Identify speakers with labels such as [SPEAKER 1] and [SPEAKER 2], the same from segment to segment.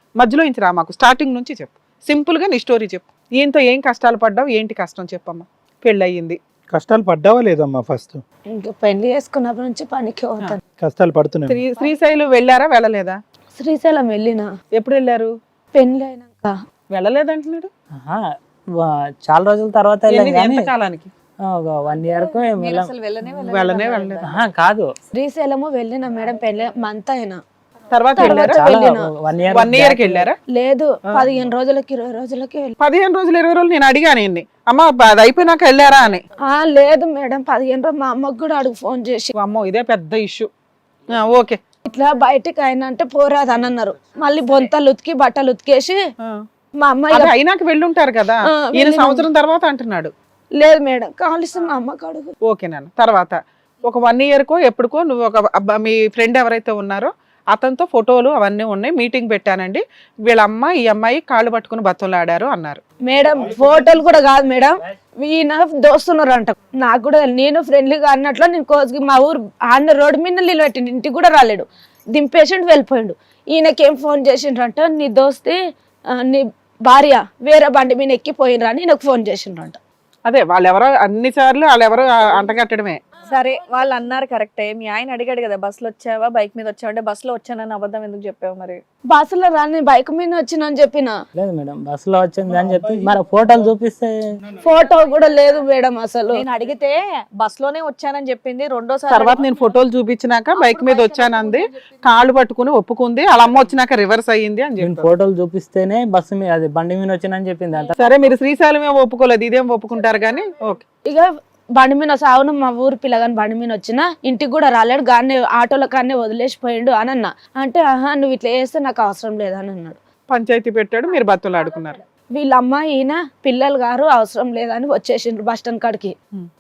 [SPEAKER 1] మధ్యలో నుంచి రా, మాకు స్టార్టింగ్ నుంచి చెప్పు, సింపుల్ గా నీ స్టోరీ చెప్పు. ఈయనతో ఏం కష్టాలు పడ్డావు, ఏంటి కష్టం చెప్పమ్మా. పెళ్ళి అయ్యింది,
[SPEAKER 2] కష్టాలు పడ్డావా లేదమ్మా? ఫస్ట్
[SPEAKER 3] ఇంకా పెళ్లి చేసుకున్నప్పటి నుంచి పనికి పోతాను.
[SPEAKER 2] కష్టాలు పడుతున్నాయి.
[SPEAKER 1] శ్రీశైలం వెళ్ళారా వెళ్ళలేదా?
[SPEAKER 3] శ్రీశైలం వెళ్ళిన
[SPEAKER 1] ఎప్పుడు వెళ్ళారు?
[SPEAKER 3] పెళ్లి అయినాక.
[SPEAKER 1] వెళ్ళలేదంటున్నాడు.
[SPEAKER 4] చాలా రోజుల తర్వాత వెళ్ళాం కానీ
[SPEAKER 1] ఎంత కాలానికి?
[SPEAKER 4] 1 year కు ఏం వెళ్ళాం.
[SPEAKER 1] వెళ్ళనే వెళ్ళలేదు.
[SPEAKER 4] కాదు
[SPEAKER 3] శ్రీశైలము వెళ్ళిన మేడం పెళ్లి మంత్ అయినా
[SPEAKER 1] తర్వాత వెళ్ళారా?
[SPEAKER 4] చాలా
[SPEAKER 3] వెళ్ళిన.
[SPEAKER 4] 1 year
[SPEAKER 1] 1 year కి వెళ్ళారా?
[SPEAKER 3] లేదు 15 రోజులకి 20 రోజులకి వెళ్ళి
[SPEAKER 1] 15 రోజులు 20 రోజులు నేను అడిగాను ఈయన్ని, అమ్మ అది అయిపోయినాక వెళ్ళారా అని.
[SPEAKER 3] లేదు మేడం 15 రోజులు మా అమ్మకు కూడా అడుగు ఫోన్ చేసి
[SPEAKER 1] అమ్మో ఇదే పెద్ద ఇష్యూ. ఓకే,
[SPEAKER 3] ఇట్లా బయటికి అయినా అంటే పోరాదు అని అన్నారు. మళ్ళీ బొంతలు ఉతికి బట్టలు ఉతికేసి మా అమ్మాయి
[SPEAKER 1] అది అయినాక వెళ్ళుంటారు కదా. ఈయన సంవత్సరం తర్వాత అంటున్నాడు.
[SPEAKER 3] లేదు మేడం కావాల్సిన మా అమ్మకు అడుగు.
[SPEAKER 1] ఓకే నాన్న. తర్వాత ఒక 1 year కో ఎప్పుడుకో నువ్వు ఒక మీ ఫ్రెండ్ ఎవరైతే ఉన్నారో అతనితో ఫోటోలు అవన్నీ ఉన్నాయి, మీటింగ్ పెట్టానండి, వీళ్ళ అమ్మ ఈ అమ్మాయి కాళ్ళు పట్టుకుని బతులాడారు అన్నారు.
[SPEAKER 3] మేడం ఫోటోలు కూడా కాదు మేడం, ఈయన దోస్తున్నారు అంట. నాకు కూడా నేను ఫ్రెండ్లీగా అన్నట్లు నేను కోసుకి మా ఊరు ఆన్న రోడ్డు మీద నిలబెట్టిండు, ఇంటికి కూడా రాలేడు, దింపేసిండు వెళ్ళిపోయిండు. ఈయనకేం ఫోన్ చేసిండ్రంట, నీ దోస్తి నీ భార్య వేరే బండి మీద ఎక్కిపోయినరా అని నాకు ఫోన్ చేసిండ్రంట.
[SPEAKER 1] అదే వాళ్ళెవరో అన్ని సార్లు వాళ్ళెవరో అంటగట్టడమే.
[SPEAKER 5] సరే వాళ్ళు అన్నారు కరెక్టే. మీ ఆయన అడిగాడు కదా బస్సులో వచ్చావా బైక్ మీద వచ్చావా అంటే బస్సులో వచ్చానని అబద్ధం ఎందుకు చెప్పావు మరి?
[SPEAKER 3] బస్సులో రాని బైక్ మీద వచ్చిన అని చెప్పిన.
[SPEAKER 4] లేదు మేడం బస్సులో వచ్చింది అని చెప్పి మరి ఫోటోలు చూపిస్తే.
[SPEAKER 3] ఫోటో కూడా లేదు మేడం అసలు.
[SPEAKER 5] నేను అడిగితే బస్సులోనే వచ్చానని చెప్పింది. రెండోసారి
[SPEAKER 1] తర్వాత నేను ఫోటోలు చూపించినాక బైక్ మీద వచ్చానంది, కాళ్ళు పట్టుకుని ఒప్పుకుంది, వాళ్ళ అమ్మ వచ్చినాక రివర్స్ అయ్యింది అని చెప్పి
[SPEAKER 4] ఫోటోలు చూపిస్తేనే బస్సు మీద అది బండి మీద వచ్చిందని చెప్పింది అంత.
[SPEAKER 1] సరే మీరు శ్రీశైలం ఏమో ఒప్పుకోలేదు, ఇదేం ఒప్పుకుంటారు కానీ. ఓకే,
[SPEAKER 3] ఇక బండి మీద సావును మా ఊరు పిల్లగాని బండి మీద వచ్చిన ఇంటికి కూడా రాలేడు, గానే ఆటోల కానే వదిలేసిపోయిండు అని అన్నా. అంటే ఆహా నువ్వు ఇట్లా చేస్తే నాకు అవసరం లేదని అన్నాడు.
[SPEAKER 1] పంచాయతీ పెట్టాడు, మీరు బతులు ఆడుకున్నారు.
[SPEAKER 3] వీళ్ళ అమ్మ ఈయన పిల్లలు గారు అవసరం లేదని వచ్చేసిండ్రు బస్ స్టాండ్ కాడికి.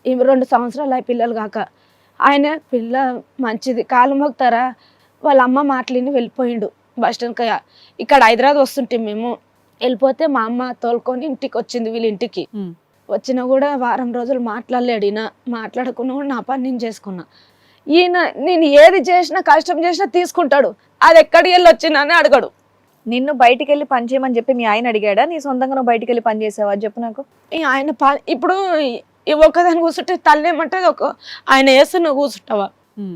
[SPEAKER 3] 2 సంవత్సరాలు అయి పిల్లలు కాక. ఆయన పిల్ల మంచిది కాలు మొక్తారా వాళ్ళ అమ్మ మాటలిని వెళ్ళిపోయిండు బస్ స్టాండ్. ఇక్కడ హైదరాబాద్ వస్తుంటే మేము వెళ్ళిపోతే మా అమ్మ తోలుకొని ఇంటికి వచ్చింది వీళ్ళ ఇంటికి. వచ్చినా కూడా వారం రోజులు మాట్లాడలేడు ఈయన, మాట్లాడకుండా కూడా నా పని నేను చేసుకున్నా. ఈయన నేను ఏది చేసినా కష్టం చేసినా తీసుకుంటాడు, అది ఎక్కడికి వెళ్ళి వచ్చినా అని అడగడు.
[SPEAKER 5] నిన్ను బయటికి వెళ్ళి పని చేయమని చెప్పి మీ ఆయన అడిగాడా? నీ సొంతంగా నువ్వు బయటికి వెళ్ళి పని చేసావా చెప్పు నాకు.
[SPEAKER 3] ఆయన ఇప్పుడు ఒక్కదాన్ని కూర్చుంటే తల్లేమంటే ఆయన వేస్తే నువ్వు కూర్చుంటావా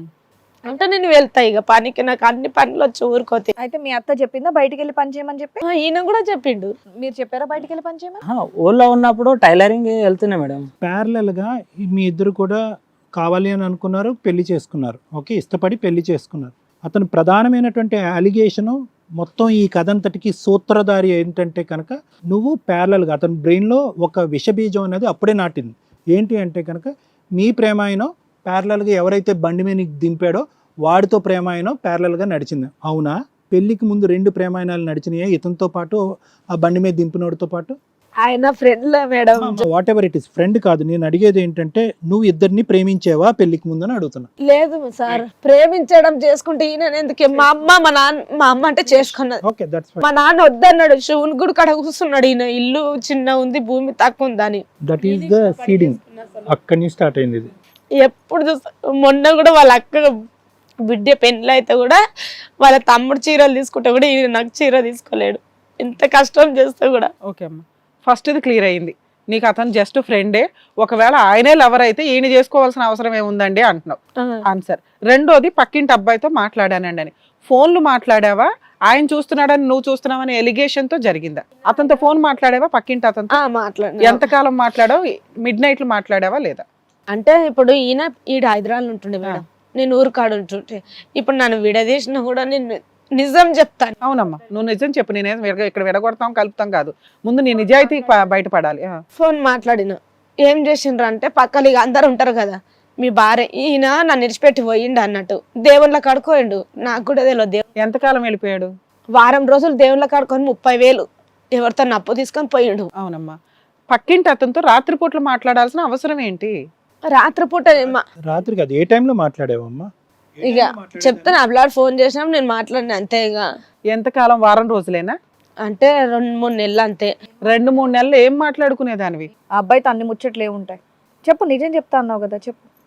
[SPEAKER 3] అంటే నేను వెళ్తా ఇక పనికి, నాకు అన్ని పనులు వచ్చి ఊరుకోతే.
[SPEAKER 5] అయితే మీ అత్త చెప్పిందా బయటికి వెళ్ళి పని చేయమని చెప్పి?
[SPEAKER 3] ఈయన కూడా చెప్పిండు.
[SPEAKER 5] మీరు చెప్పారా బయటికి వెళ్ళి పని చేయమని?
[SPEAKER 4] ఊళ్ళో ఉన్నప్పుడు టైలరింగ్ వెళ్తున్నా మేడం.
[SPEAKER 2] ప్యారలల్ గా మీ ఇద్దరు కూడా కావాలి అని అనుకున్నారు, పెళ్లి చేసుకున్నారు. ఓకే, ఇష్టపడి పెళ్లి చేసుకున్నారు. అతను ప్రధానమైనటువంటి అలిగేషను మొత్తం ఈ కథ అంతటికి సూత్రధారి ఏంటంటే కనుక నువ్వు ప్యారలల్గా అతని బ్రెయిన్లో ఒక విషబీజం అనేది అప్పుడే నాటింది. ఏంటి అంటే కనుక మీ ప్రేమాయణం ప్యారలల్గా ఎవరైతే బండి మీద దింపాడో వాడితో ప్రేమాయణం ప్యారలల్గా నడిచింది. అవునా? పెళ్లికి ముందు 2 ప్రేమాయణాలు నడిచినాయా ఇతనితో పాటు, ఆ బండి మీద దింపినోడితో పాటు?
[SPEAKER 3] ఆయన ఫ్రెండ్లే madam.
[SPEAKER 2] Whatever it is, friend కాదు. నేను అడిగేది ఏంటంటే నువ్వు ఇద్దరిని ప్రేమించేవా పెళ్లికి ముందని అడుగుతున్నా.
[SPEAKER 3] లేదు సార్, ప్రేమించడం చేసుకుంటే ఈయన ఎందుకే? మా అమ్మ మా అమ్మ అంటే చేసుకున్నది.
[SPEAKER 2] Okay, that's fine.
[SPEAKER 3] మా నాన్న వద్దన్నాడు, శివుని గుడి కడ కూర్చున్నాడు. ఈయన ఇల్లు చిన్న ఉంది, భూమి తక్కువ ఉందని.
[SPEAKER 2] That is the seeding. అక్కడి నుంచి స్టార్ట్ అయింది ఇది.
[SPEAKER 3] ఎప్పుడు మొన్న కూడా వాళ్ళ అక్క బిడ్డ పెళ్ళి అయితే కూడా వాళ్ళ తమ్ముడు చీరలు తీసుకుంటే కూడా ఈయన నాకు చీర తీసుకోలేడు, ఎంత కష్టం చేస్తే కూడా.
[SPEAKER 1] ఓకే అమ్మా, ఫస్ట్ ఇది క్లియర్ అయింది. నీకు అతను జస్ట్ ఫ్రెండే, ఒకవేళ ఆయనే లవర్ అయితే ఈయన చేసుకోవాల్సిన అవసరం ఏముందండి అంటున్నావు ఆన్సర్. రెండోది పక్కింటి అబ్బాయితో మాట్లాడానండి అని. ఫోన్లు మాట్లాడావా, ఆయన చూస్తున్నాడని నువ్వు చూస్తున్నావని ఎలిగేషన్ తో జరిగిందా? అతనితో ఫోన్ మాట్లాడావా పక్కింటి అతనితో?
[SPEAKER 3] మాట్లాడు.
[SPEAKER 1] ఎంతకాలం మాట్లాడావు? మిడ్ నైట్లు మాట్లాడావా లేదా?
[SPEAKER 3] అంటే ఇప్పుడు ఈడ హైదరాబాద్ ఉంటుండే మేడం, నేను ఊరు కాడు ఉంటుంటే. ఇప్పుడు నన్ను విడదీసినా కూడా నేను నిజం చెప్తాను.
[SPEAKER 1] అవునమ్మా, నువ్వు నిజం చెప్పు. నేనే ఇక్కడ విడగొడతాం కలుపుతాం కాదు, ముందు నీ నిజాయితీ బయటపడాలి.
[SPEAKER 3] ఫోన్ మాట్లాడిన ఏం చేసిండ్రు అంటే పక్కలు ఇక అందరు ఉంటారు కదా, మీ భార్య ఈయన నన్ను విడిచిపెట్టి పోయిండు అన్నట్టు దేవుళ్ళ కడుకోయిండు. నాకు కూడా తెలియదు.
[SPEAKER 1] ఎంతకాలం వెళ్ళిపోయాడు?
[SPEAKER 3] వారం రోజులు దేవుళ్ళ కడుకొని 30,000 ఎవరితో అప్పు తీసుకొని పోయిండు.
[SPEAKER 1] అవునమ్మా, పక్కింటి అతనితో రాత్రిపూట్లు మాట్లాడాల్సిన అవసరం ఏంటి?
[SPEAKER 3] రాత్రిపూట
[SPEAKER 2] రాత్రికి అది ఏ టైంలో మాట్లాడావమ్మా?
[SPEAKER 3] ఇక చెప్తాను, అబ్లాడ్ ఫోన్ చేసినా నేను మాట్లాడిన అంతే. ఇక
[SPEAKER 1] ఎంతకాలం? వారం రోజులేనా?
[SPEAKER 3] అంటే 2-3 నెలలు అంతే.
[SPEAKER 1] 2-3 నెలలు ఏం మాట్లాడుకునేదానివి?
[SPEAKER 5] ఆ అబ్బాయితో అన్ని ముచ్చట్లు ఏముంటాయి చెప్పు, నిజం చెప్తా అన్నావు కదా చెప్పు.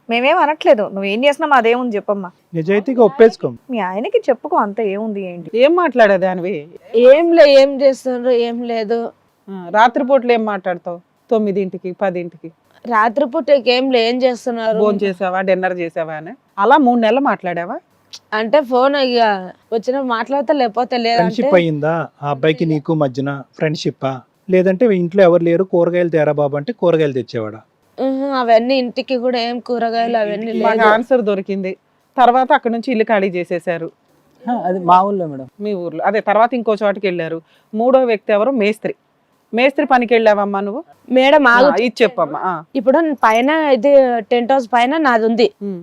[SPEAKER 5] మేమేం అనట్లేదు, నువ్వేం చేసినా మాదేముంది చెప్పమ్మా.
[SPEAKER 2] నిజాయితీగా ఒప్పేసుకో.
[SPEAKER 5] మీ ఆయనకి చెప్పుకో, అంత ఏముంది ఏంటి.
[SPEAKER 1] ఏం మాట్లాడేది అనివి?
[SPEAKER 3] ఏం చేస్తున్నారు ఏం లేదు.
[SPEAKER 1] రాత్రిపూట్లు ఏం మాట్లాడతావు? 9ంటికి 10ంటికి
[SPEAKER 3] రాత్రిపూట ఏం చేస్తున్నారు,
[SPEAKER 1] ఫోన్ చేసావా, డిన్నర్ చేసావా అని అలా 3 నెలలు మాట్లాడావా?
[SPEAKER 3] అంటే ఫోన్ ఇక వచ్చిన మాట్లాడితే లేకపోతే లేదంటే
[SPEAKER 2] ఫ్రెండ్షిప్ అయ్యిందా ఆ అబ్బాయికి నీకు మధ్యన? ఫ్రెండ్షిప్పా? లేదంటే ఇంట్లో ఎవరు లేరు కూరగాయలు తేరా బాబు అంటే కూరగాయలు తెచ్చేవాడా?
[SPEAKER 3] అవన్నీ ఇంటికి కూడా ఏం కూరగాయలు అవన్నీ
[SPEAKER 1] మాకు
[SPEAKER 3] లేదు.
[SPEAKER 1] ఆన్సర్ దొరికింది. తర్వాత అక్కడ నుంచి ఇల్లు ఖాళీ చేసేసారు
[SPEAKER 4] అది మా ఊళ్ళో మేడం.
[SPEAKER 1] మీ ఊర్లో. అదే తర్వాత ఇంకో చోటకి వెళ్ళారు. 3వ వ్యక్తి ఎవరు? మేస్త్రి పనికి వెళ్ళావమ్మా నువ్వు?
[SPEAKER 3] మేడం ఆగు,
[SPEAKER 1] ఇది చెప్పమ్మా.
[SPEAKER 3] ఇప్పుడు పైన ఇది టెంట్ హౌస్ పైన నాది ఉంది.
[SPEAKER 1] ఉమ్.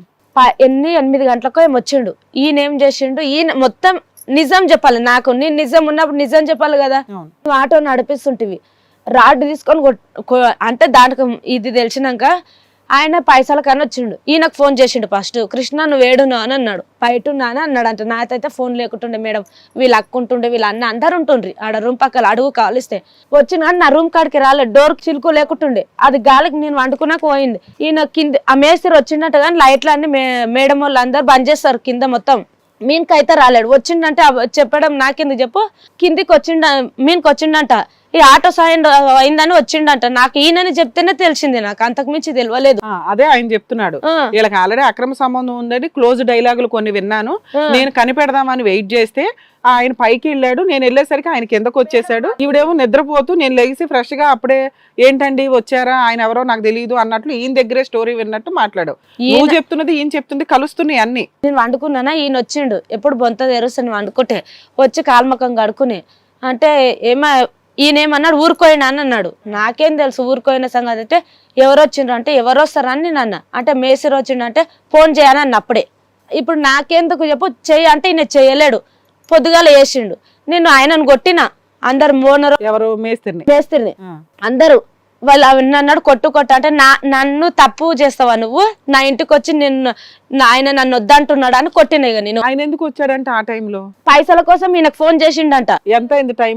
[SPEAKER 3] 8 గంటలకు ఏం వచ్చిండు. ఈయన ఏం చేసిండు, ఈయన మొత్తం నిజం చెప్పాలి నాకు. నేను నిజం ఉన్నప్పుడు నిజం చెప్పాలి కదా.
[SPEAKER 1] అవును.
[SPEAKER 3] నువ్వు ఆటో నడిపిస్తుంటివి, రాడ్ తీసుకొని అంటే దానికి ఇది తెలిసినాక ఆయన పైసల కన్నా వచ్చిండు. ఈయనకు ఫోన్ చేసిండు ఫస్ట్, కృష్ణ నువ్వు ఏడును అని అన్నాడు. బయటున్నా అని అన్నాడు. అంటే నాకైతే ఫోన్ లేకుంటుండే మేడం, వీళ్ళు అక్కుంటుండే, వీళ్ళు అన్న అందరు ఉంటుండ్రి ఆడ రూమ్ పక్కల అడుగు కాలిస్తే వచ్చిన కానీ నా రూమ్ కాడికి రాలేదు. డోర్ చిలుకు లేకుంటుండే, అది గాలికి నేను వండుకున్నాక పోయింది. ఈయన కింద ఆ మేస్త్రి వచ్చిండట కానీ లైట్లు అన్ని మేడం వాళ్ళు అందరు బంద్ చేస్తారు కింద మొత్తం. మీనికైతే రాలేడు. వచ్చిండంటే చెప్పడం నాకెందుకు చెప్పు. కిందికి మీనికి వచ్చిండంట, ఈ ఆటో సాయం అయిందని వచ్చిండంట. నాకు ఈయనని చెప్తేనే తెలిసింది, నాకు అంతకు మించి తెలియలేదు.
[SPEAKER 1] అదే ఆయన చెప్తున్నాడు, వీళ్ళకి ఆల్రెడీ అక్రమ సంబంధం ఉందని క్లోజ్ డైలాగులు కొన్ని విన్నాను. నేను కనిపెడదామని వెయిట్ చేస్తే ఆయన పైకి వెళ్ళాడు, నేను వెళ్ళేసరికి ఆయన కిందకు వచ్చేసాడు. ఈవిడేమో నిద్రపోతూ నేను లేచి ఫ్రెష్ గా అప్పుడే ఏంటండి వచ్చారా, ఆయన ఎవరో నాకు తెలియదు అన్నట్లు ఈయన దగ్గరే స్టోరీ విన్నట్టు మాట్లాడు. నువ్వు చెప్తున్నది ఈయన చెప్తుంది కలుస్తున్నాయి అన్ని.
[SPEAKER 3] నేను వండుకున్నానా, ఈయన వచ్చిండు. ఎప్పుడు బొంత తెరుస్తాను వండుకుంటే వచ్చి కాల్మకం కడుకుని అంటే ఈయనేమన్నాడు ఊరుకోయినా అని అన్నాడు. నాకేం తెలుసు ఊరుకోయిన సంగతి. అయితే ఎవరు వచ్చిండ్రు అంటే ఎవరు వస్తారని నేను అన్నా. అంటే మేస్త్రి వచ్చిండు అంటే ఫోన్ చేయని అన్న. అప్పుడే ఇప్పుడు నాకెందుకు చెప్పు, చెయ్యి అంటే ఈయన చెయ్యలేడు. పొద్దుగాల వేసిండు. నేను ఆయనను కొట్టిన, అందరు మోనరు
[SPEAKER 1] ఎవరు?
[SPEAKER 3] మేస్త్రిని అందరూ వాళ్ళు అవన్నీ అన్నాడు. కొట్టు అంటే నన్ను తప్పు చేస్తావా నువ్వు, నా ఇంటికి వచ్చి ఆయన నన్ను వద్దంటున్నాడు అని కొట్టిన. ఇక నేను
[SPEAKER 1] ఆయన ఎందుకు వచ్చాడంటే ఆ టైంలో
[SPEAKER 3] పైసల కోసం ఈయనకు ఫోన్ చేసిండంట.
[SPEAKER 1] ఎంత అయింది టైం?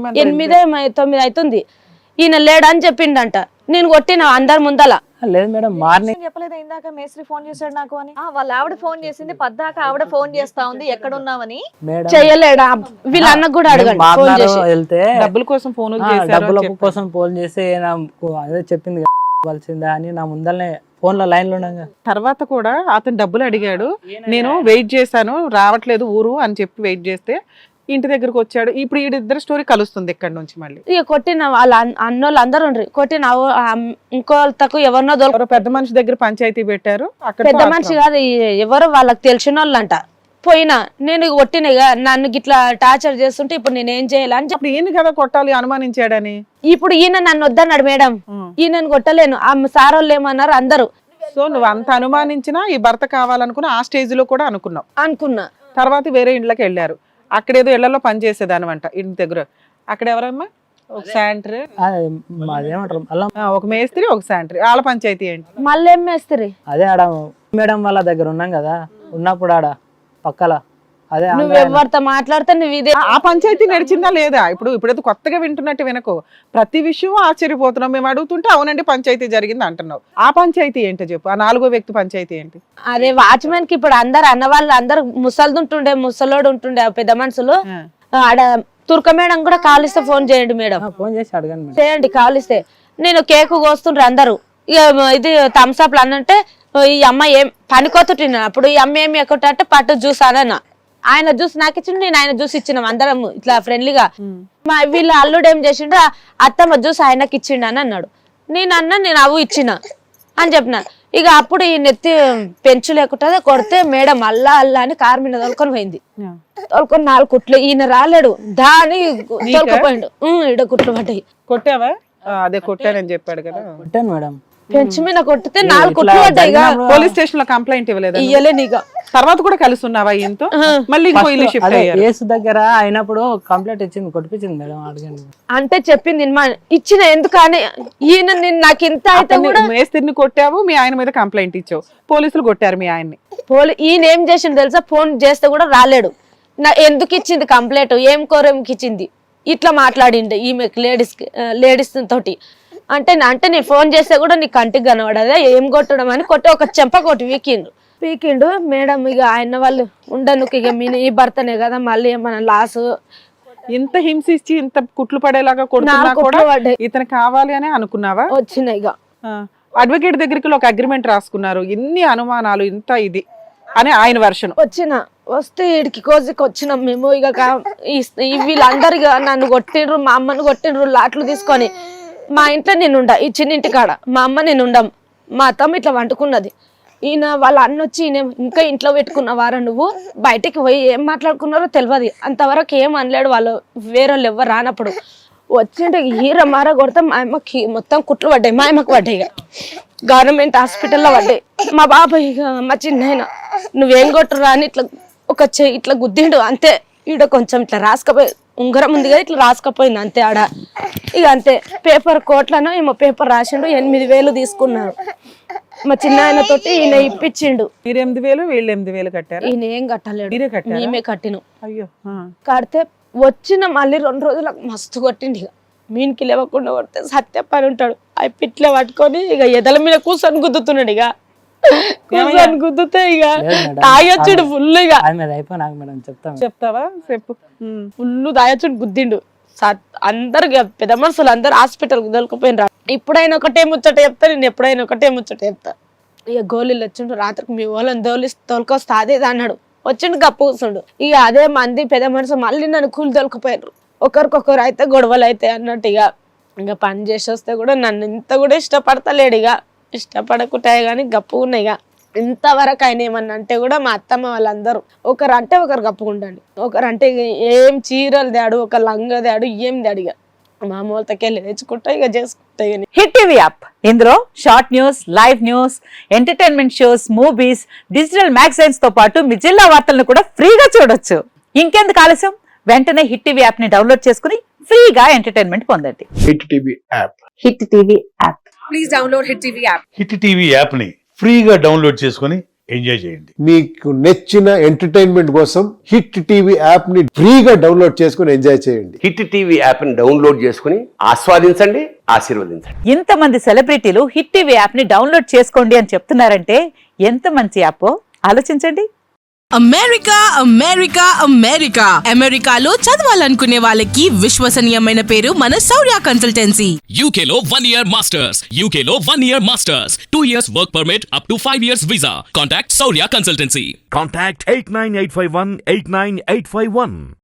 [SPEAKER 3] 8-9 అవుతుంది. ఈయన లేడని చెప్పిండంట. నేను కొట్టిన అందరి ముందల.
[SPEAKER 4] లేదు మేడం, మార్నింగ్
[SPEAKER 5] చెప్పలేదు ఇందాక మేస్త్రి ఫోన్ చేశాడు నాకు అని. వాళ్ళ ఆవిడ ఫోన్ చేసింది, పద్దాక ఆవిడ ఫోన్ చేస్తా ఉంది ఎక్కడున్నావని.
[SPEAKER 4] మేడం
[SPEAKER 3] చెయ్యలేడా? వీళ్ళ అన్నకు కూడా అడగండి ఫోన్ చేసి.
[SPEAKER 4] వెళ్తే
[SPEAKER 1] డబ్బుల కోసం ఫోన్
[SPEAKER 4] డబ్బుల కోసం ఫోన్ చేసి నాకు అదే చెప్పింది వలసిందా అని నా ముందరనే ఫోన్ లో లైన్ లో ఉండగా.
[SPEAKER 1] తర్వాత కూడా అతను డబ్బులు అడిగాడు, నేను వెయిట్ చేశాను రావట్లేదు ఊరు అని చెప్పి వెయిట్ చేస్తే ఇంటి దగ్గరకు వచ్చాడు. ఇప్పుడు వీడిద్దరు స్టోరీ కలుస్తుంది ఇక్కడ నుంచి మళ్ళీ.
[SPEAKER 3] ఇక కొట్టిన వాళ్ళ అన్నోళ్ళు అందరు ఉండ్రి. కొట్టిన ఇంకోళ్ళకు ఎవరినో
[SPEAKER 1] ఎవరో పెద్ద మనిషి దగ్గర పంచాయతీ పెట్టారు. అక్కడ
[SPEAKER 3] పెద్ద మనిషి కాదు, ఎవరో వాళ్ళకి తెలిసిన వాళ్ళంట. పోయినా నేను కొట్టిన, ఇక నన్ను గిట్లా టార్చర్ చేస్తుంటే ఇప్పుడు నేనేం చేయాలని
[SPEAKER 1] ఇప్పుడు ఈయన కదా కొట్టాలి అనుమానించాడని.
[SPEAKER 3] ఇప్పుడు ఈయన నన్ను వద్దన్నాడు మేడం. ఈయనను కొట్టలేను. ఆ సార్ వాళ్ళు ఏమన్నారు అందరూ.
[SPEAKER 1] సో నువ్వు అంత అనుమానించినా ఈ భర్త కావాలనుకున్నా ఆ స్టేజ్ లో కూడా అనుకున్నా. తర్వాత వేరే ఇంట్లోకి వెళ్ళారు. అక్కడేదో ఇళ్లలో పని చేసేదానమాట ఇంటి దగ్గర. అక్కడ ఎవరమ్మా? ఒక శాంట్రీ,
[SPEAKER 4] అదేమంటారు అలా
[SPEAKER 1] ఒక మేస్త్రి, ఒక శాంట్రీ. వాళ్ళ పంచాయతీ ఏంటి?
[SPEAKER 3] మళ్ళీ ఏం మేస్త్రి?
[SPEAKER 4] అదే ఆడ మేడం వాళ్ళ దగ్గర ఉన్నాం కదా, ఉన్నప్పుడు ఆడ పక్కల అదే
[SPEAKER 3] నువ్వు ఎవరితో మాట్లాడితే నువ్వు ఇదే.
[SPEAKER 1] ఆ పంచాయతీ నడిచిందా లేదా? ఇప్పుడైతే కొత్తగా వింటున్నట్టు వినకు. ప్రతి విషయం ఆశ్చర్యపోతున్నాం. మేము అడుగుతుంటే అవునండి పంచాయతీ జరిగింది అంటున్నావు. ఆ పంచాయతీ ఏంటో చెప్పు. ఆ 4వ వ్యక్తి పంచాయతీ ఏంటి?
[SPEAKER 3] అదే వాచ్మెన్ కి ఇప్పుడు అందరు అన్న వాళ్ళు అందరు ముసలిదుంటుండే, ముసలోడు ఉంటుండే పెద్ద మనుషులు. ఆడ తుర్క మేడం కూడా కాలిస్తే ఫోన్ చేయండి మేడం,
[SPEAKER 4] ఫోన్ చేసి అడగండి
[SPEAKER 3] చేయండి కాలిస్తే. నేను కేకు కోస్తుండ్రు అందరు. ఇక ఇది థమ్స్అప్లు అన్నంటే ఈ అమ్మ ఏం పనికొత్తున్నా. అప్పుడు ఈ అమ్మ ఏమి ఎక్కువ అంటే పట్టు జ్యూస్ అనన్నా. ఆయన జ్యూస్ నాకు ఇచ్చిండు, నేను ఆయన జ్యూస్ ఇచ్చినాం అందరం ఇట్లా ఫ్రెండ్లీగా. వీళ్ళ అల్లుడు ఏం చేసిండు, అత్తమ్మ జ్యూస్ ఆయనకి ఇచ్చిండు అని అన్నాడు. నేను అవు ఇచ్చిన అని చెప్పిన. ఇక అప్పుడు ఈ నెత్తి పెంచు లేకుంటే కొడితే మేడం అల్లా అని కారు మీద తోలుకొని పోయింది. తోలుకొని 4 కుట్లు. ఈయన రాలేడు, దాని తోలుకుపోయిండు. ఈడ కుట్లు పడ్డాయి.
[SPEAKER 1] కొట్టావా? అదే కొట్టానని చెప్పాడు కదా.
[SPEAKER 4] కొట్టాను మేడం.
[SPEAKER 3] పెంచు మీద కొట్టితే 4 కుట్లు పడ్డాయి.
[SPEAKER 1] పోలీస్ స్టేషన్ లో కంప్లైంట్ ఇవ్వలేదు?
[SPEAKER 3] ఇయ్యలే. నీగా
[SPEAKER 1] తర్వాత కూడా కలిసి ఉన్నావా ఈయనతో? మళ్ళీ ఇంకో ఇల్లు షిఫ్ట్ అయ్యారు.
[SPEAKER 4] కేసు దగ్గర అయినప్పుడు కంప్లైంట్ ఇచ్చింది, కొట్టించింది మేడం. అడగండి
[SPEAKER 3] అంటే చెప్పింది ఇచ్చిన. ఎందుకని ఈయన నాకు ఇంత అయితే కూడా
[SPEAKER 1] మేస్త్రిని కొట్టావు, మీ ఆయన మీద కంప్లైంట్ ఇచ్చావు, పోలీసులు కొట్టారు మీ ఆయన్ని.
[SPEAKER 3] ఈయన ఏం చేసిండు తెలుసా? ఫోన్ చేస్తే కూడా రాలేడు. ఎందుకు ఇచ్చింది కంప్లైంట్, ఏం కోరేంకి ఇచ్చింది, ఇట్లా మాట్లాడిండు ఈమె లేడీస్ తోటి. అంటే నేను ఫోన్ చేస్తే కూడా నీ కంటికి కనబడదా ఏం కొట్టడం అని కొట్టి ఒక చెంప కొట్టి పీకిండు మేడం. ఇక ఆయన వాళ్ళు ఉండను ఇక ఈ భర్తనే కదా మళ్ళీ ఏమన్నా లాస్
[SPEAKER 1] ఇంత హింసించి ఇంత కుట్లు పడేలాగా కొడుతున్నా కూడా ఇతను కావాలి అని అనుకున్నావా?
[SPEAKER 3] వచ్చినాయి ఇక
[SPEAKER 1] అడ్వకేట్ దగ్గరికి ఒక అగ్రిమెంట్ రాసుకున్నారు, ఇన్ని అనుమానాలు ఇంత ఇది అని ఆయన వర్షన్.
[SPEAKER 3] వస్తే ఈడికి కోజికి వచ్చినాం మేము. ఇక వీళ్ళందరు ఇక నన్ను కొట్టిండ్రు, మా అమ్మను కొట్టిండ్రు లాట్లు తీసుకొని. మా ఇంట్లో నేను ఉండ, ఈ చిన్నింటి కాడ మా అమ్మ నేను ఉండం, మా అత్తమ్మ ఇట్లా వండుకున్నది. ఈయన వాళ్ళ అన్న వచ్చి ఈయన ఇంకా ఇంట్లో పెట్టుకున్నవారా నువ్వు, బయటికి పోయి ఏం మాట్లాడుకున్నారో తెలియదు. అంతవరకు ఏం అనలేడు వాళ్ళు, వేరే వాళ్ళు ఎవరు రానప్పుడు. వచ్చింటే హీర మార కొడితే మా అమ్మకి మొత్తం కుట్లు పడ్డాయి, మా అమ్మకి పడ్డాయి. ఇక గవర్నమెంట్ హాస్పిటల్లో పడ్డాయి. మా బాబాయ్ ఇక మా చిన్న నువ్వేం కొట్టరా అని ఇట్లా ఒక చెయ్యి ఇట్లా గుద్దిండు అంతే. ఈడ కొంచెం ఇట్లా రాసుకపోయి ఉంగరం ఉంది కదా ఇట్లా రాసుకపోయింది అంతే ఆడ. ఇక అంతే పేపర్ కోట్లనో ఏమో పేపర్ రాసిండు, 8,000 తీసుకున్నారు. మా చిన్న ఆయన తోటి ఈయన ఇప్పించిండు.
[SPEAKER 1] మీరు 8,000 వీళ్ళు 8,000 కట్టారు?
[SPEAKER 3] ఈయన ఏం కట్టలేడు, మేమే కట్టినాం.
[SPEAKER 1] అయ్యో.
[SPEAKER 3] కడితే వచ్చిన మళ్ళీ 2 రోజులకు మస్తు కొట్టిండు. ఇక మీనికి లేవకుండా కొడితే సత్య పని ఉంటాడు, అవి పిట్లే పట్టుకొని ఇక ఎదల మీద కూర్చొని గుద్దుతున్నాడు. ఇక కూర్చొని గుద్దుతే ఇక తాగొచ్చుడు ఫుల్. ఇక
[SPEAKER 1] చెప్తావా? చెప్పు.
[SPEAKER 3] ఫుల్ తాగొచ్చుడు గుద్దిండు. అందరు పెద్ద మనుషులు అందరు హాస్పిటల్ దొరికిపోయినరా. ఇప్పుడైనా ఒకటే ముచ్చట చెప్తా, నేను ఎప్పుడైనా ఒకటే ముచ్చట చెప్తా. ఇక గోళీలు వచ్చిండు, రాత్రికి మీ వాళ్ళని తోలుకొస్తా అదే అన్నాడు. వచ్చిండు గప్పు కూర్చుండు. ఇక అదే మంది పెద్ద మనుషులు మళ్ళీ నన్ను కూలి తోలుకుపోయారు. ఒకరికొకరు అయితే గొడవలు అయితే అన్నట్టు. ఇక పని చేసి వస్తే కూడా నన్ను ఇంత కూడా ఇష్టపడతలేడు. ఇక ఇష్టపడకుంటాయి కానీ గప్పు ఉన్నాయి. ఇక ఇంతవరకు ఆయన ఏమన్నా అంటే కూడా మా అత్తమ్మ వాళ్ళందరూ ఒకరు అంటే ఒకరు కప్పుకుంటాండి, ఒకరు అంటే ఏం చీరలు దాడు, ఒక లంగ దాడు, ఏం దాడు. ఇక మామూలుతకెళ్ళి తెచ్చుకుంటా ఇక చేసుకుంటాయి.
[SPEAKER 6] హిట్ టీవీ యాప్, ఇందులో short news, live news, entertainment shows, movies, digital magazines తో పాటు మీ జిల్లా వార్తలను కూడా ఫ్రీగా చూడొచ్చు. ఇంకెందుకు ఆలస్యం, వెంటనే హిట్ టీవీ యాప్ ని డౌన్లోడ్ చేసుకుని ఫ్రీగా ఎంటర్టైన్మెంట్ పొందండి.
[SPEAKER 7] Hit TV app.
[SPEAKER 6] Hit TV app.
[SPEAKER 8] Please download hit TV app.
[SPEAKER 7] Hit TV app ని ఫ్రీగా డౌన్లోడ్ చేసుకుని ఎంజాయ్ చేయండి.
[SPEAKER 9] మీకు నచ్చిన ఎంటర్టైన్మెంట్ కోసం హిట్ టీవీ యాప్ ని ఫ్రీగా డౌన్లోడ్ చేసుకుని ఎంజాయ్ చేయండి.
[SPEAKER 10] హిట్ టీవీ యాప్ ని డౌన్లోడ్ చేసుకుని ఆస్వాదించండి, ఆశీర్వదించండి.
[SPEAKER 6] ఇంతమంది సెలబ్రిటీలు హిట్ టీవీ యాప్ ని డౌన్లోడ్ చేసుకోండి అని చెప్తున్నారంటే ఎంత మంచి యాప్ ఆలోచించండి.
[SPEAKER 8] అమెరికా అమెరికా అమెరికా అమెరికాలో చదవాలనుకునే వాళ్ళకి విశ్వసనీయమైన పేరు మన శౌర్య కన్సల్టెన్సీ.
[SPEAKER 11] UK లో 1 year masters, UK లో 1 year masters, 2 years work permit up to 5 years visa. Contact Saurya Consultancy.
[SPEAKER 12] Contact 89851 89851.